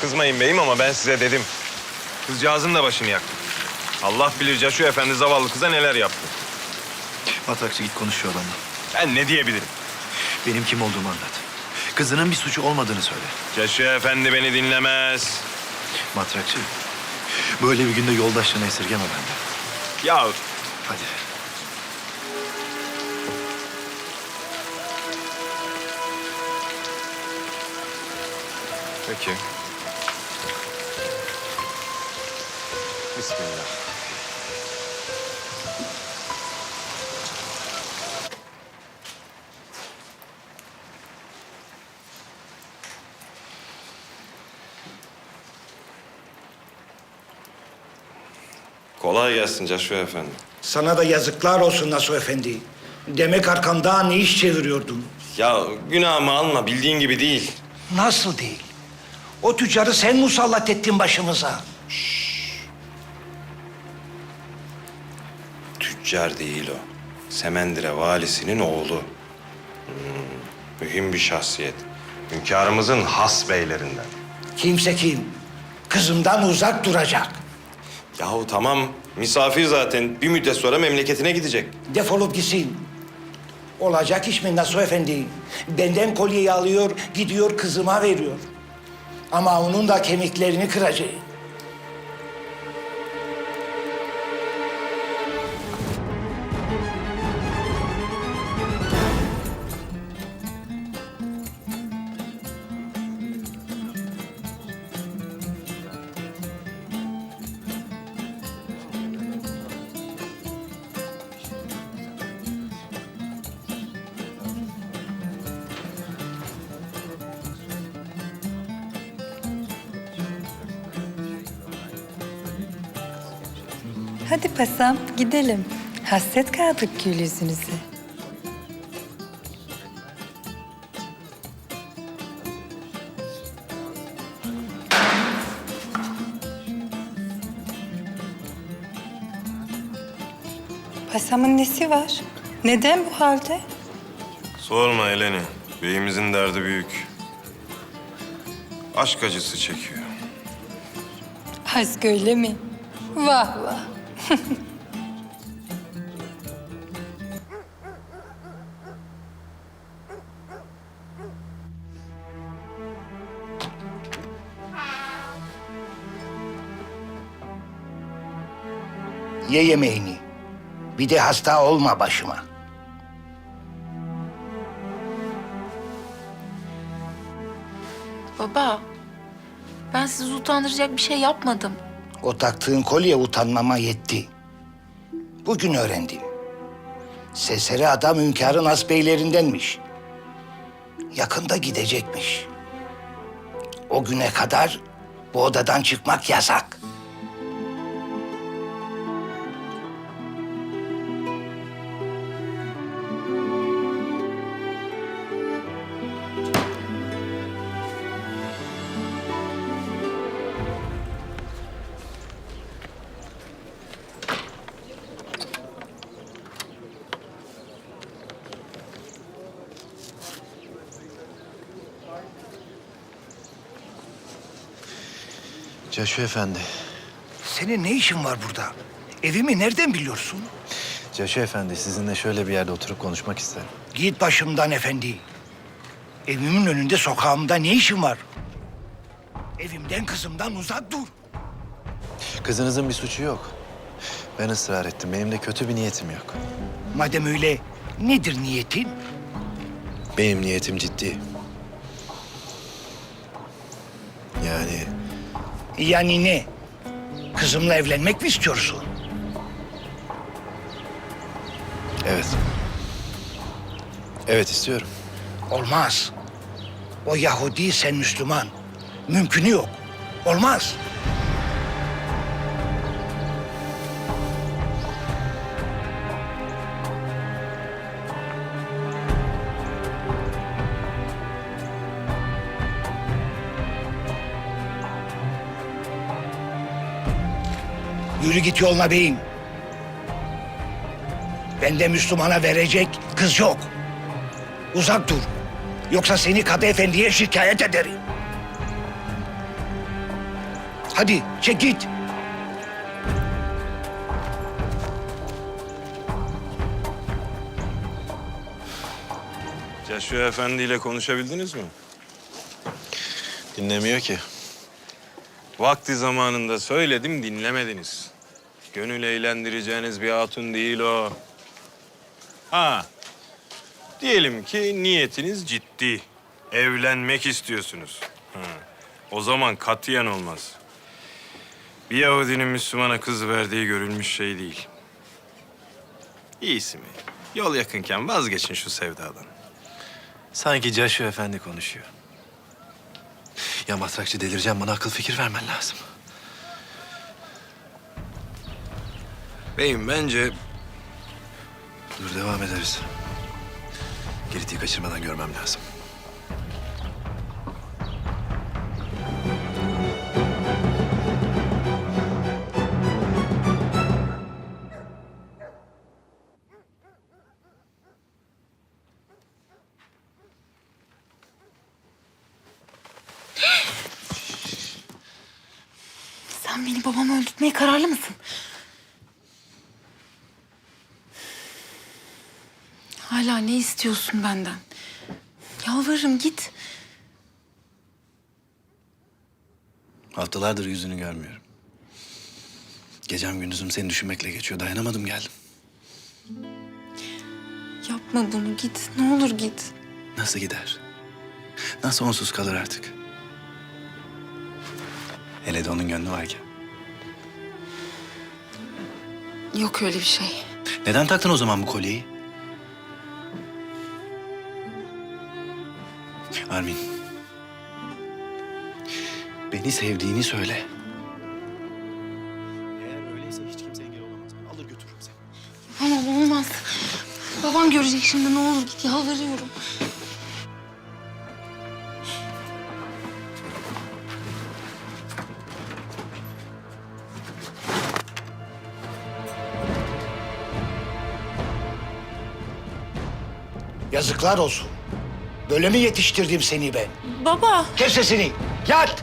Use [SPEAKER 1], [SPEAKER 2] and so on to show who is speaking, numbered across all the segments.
[SPEAKER 1] kızmayın beyim ama ben size dedim. Kızcağızın da başını yaktım. Allah bilir Caşu Efendi zavallı kıza neler yaptı.
[SPEAKER 2] Matrakçı git konuş şu adamla.
[SPEAKER 1] Ben ne diyebilirim?
[SPEAKER 2] Benim kim olduğumu anlat. Kızının bir suçu olmadığını söyle.
[SPEAKER 1] Caşu Efendi beni dinlemez.
[SPEAKER 2] Matrakçı, böyle bir günde yoldaşlığını esirgeme benden.
[SPEAKER 1] Ya
[SPEAKER 2] Hadi.
[SPEAKER 1] peki. Bismillah. Kolay gelsin Caşu Efendi.
[SPEAKER 3] Sana da yazıklar olsun Nasuh Efendi. Demek arkamda ne iş çeviriyordun?
[SPEAKER 1] Ya günahımı alma, bildiğin gibi değil.
[SPEAKER 3] Nasıl değil? O tüccarı sen musallat ettin başımıza.
[SPEAKER 1] Tüccar değil o. Semendire valisinin oğlu. Mühim bir şahsiyet. Hünkârımızın has beylerinden.
[SPEAKER 3] Kimse kim? Kızımdan uzak duracak.
[SPEAKER 1] Yahu tamam, misafir zaten. Bir müddet sonra memleketine gidecek.
[SPEAKER 3] Defolup gitsin. Olacak iş mi Nasuh Efendi? Benden kolyeyi alıyor, gidiyor kızıma veriyor. Ama onun da kemiklerini kıracak.
[SPEAKER 4] Hadi pasam gidelim. Hasret kaldık gül yüzünüze. Pasamın nesi var? Neden bu halde?
[SPEAKER 1] Sorma Eleni. Beyimizin derdi büyük. Aşk acısı çekiyor.
[SPEAKER 4] Aşk öyle mi? Vah vah.
[SPEAKER 3] Ye yemeğini. Bir de hasta olma başıma.
[SPEAKER 5] Baba, ben sizi utandıracak bir şey yapmadım.
[SPEAKER 3] O taktığın kolye utanmama yetti. Bugün öğrendim. Seseri adam hünkârın hasbeylerindenmiş. Yakında gidecekmiş. O güne kadar bu odadan çıkmak yasak.
[SPEAKER 2] Caşu Efendi.
[SPEAKER 3] Senin ne işin var burada? Evimi nereden biliyorsun?
[SPEAKER 2] Caşu Efendi, sizinle şöyle bir yerde oturup konuşmak isterim.
[SPEAKER 3] Git başımdan efendi. Evimin önünde sokağımda ne işin var? Evimden kızımdan uzak dur.
[SPEAKER 2] Kızınızın bir suçu yok. Ben ısrar ettim. Benim de kötü bir niyetim yok.
[SPEAKER 3] Madem öyle nedir niyetin?
[SPEAKER 2] Benim niyetim ciddi.
[SPEAKER 3] Yani ne? Kızımla evlenmek mi istiyorsun?
[SPEAKER 2] Evet. Evet, istiyorum.
[SPEAKER 3] Olmaz. O Yahudi, sen Müslüman. Mümkünü yok. Olmaz. Yürü git yoluna beyim. Bende Müslümana verecek kız yok. Uzak dur. Yoksa seni Kadı Efendi'ye şikayet ederim. Hadi çek git.
[SPEAKER 1] Caşu Efendi ile konuşabildiniz mi?
[SPEAKER 2] Dinlemiyor ki.
[SPEAKER 1] Vakti zamanında söyledim, dinlemediniz. Gönül eğlendireceğiniz bir hatun değil o. Ha, diyelim ki niyetiniz ciddi. Evlenmek istiyorsunuz. Ha. O zaman katiyen olmaz. Bir Yahudinin Müslümana kız verdiği görülmüş şey değil. İyisi mi? Yol yakınken vazgeçin şu sevdadan.
[SPEAKER 2] Sanki Caşu Efendi konuşuyor. Ya matrakçı delireceğim, bana akıl fikir vermen lazım.
[SPEAKER 1] Beyim bence
[SPEAKER 2] Dur, devam ederiz. Girit'i kaçırmadan görmem lazım.
[SPEAKER 5] Sen beni babamı öldürtmeye kararlı mısın? Hala ne istiyorsun benden? Yalvarırım git.
[SPEAKER 2] Haftalardır yüzünü görmüyorum. Gecem gündüzüm seni düşünmekle geçiyor. Dayanamadım, geldim.
[SPEAKER 5] Yapma bunu git. Ne olur git.
[SPEAKER 2] Nasıl gider? Nasıl onsuz kalır artık? Hele de onun gönlü varken.
[SPEAKER 5] Yok öyle bir şey.
[SPEAKER 2] Neden taktın o zaman bu kolyeyi? Armin. Beni sevdiğini söyle. Eğer öyleyse hiç kimse engel olamaz. Ben alır götürürüm seni.
[SPEAKER 5] Tamam olmaz. Babam görecek şimdi ne olur git yalvarıyorum.
[SPEAKER 3] Yazıklar olsun. Böyle mi yetiştirdim seni ben?
[SPEAKER 5] Baba.
[SPEAKER 3] Kes sesini. Yat.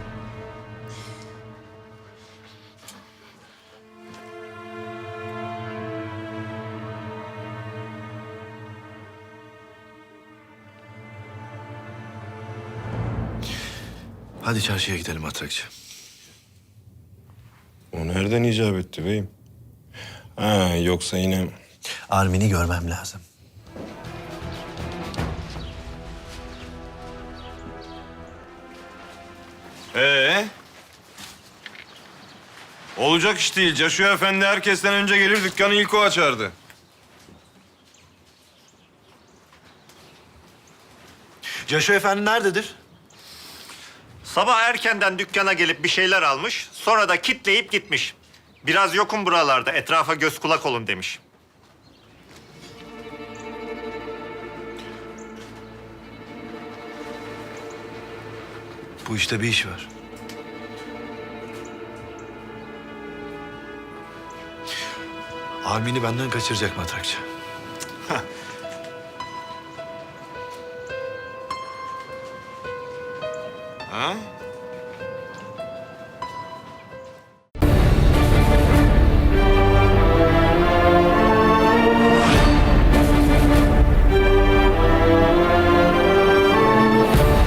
[SPEAKER 2] Hadi çarşıya gidelim matrakçı.
[SPEAKER 1] o nereden icap etti beyim? Ha, yoksa yine...
[SPEAKER 2] Armin'i görmem lazım.
[SPEAKER 1] Olacak iş değil. Caşu Efendi herkesten önce gelir, dükkanı ilk o açardı.
[SPEAKER 2] Caşu Efendi nerededir?
[SPEAKER 6] Sabah erkenden dükkana gelip bir şeyler almış, sonra da kitleyip gitmiş. Biraz yokum buralarda, etrafa göz kulak olun demiş.
[SPEAKER 2] Bu işte bir iş var. Armin'i benden kaçıracak matrakçı.
[SPEAKER 1] Ha?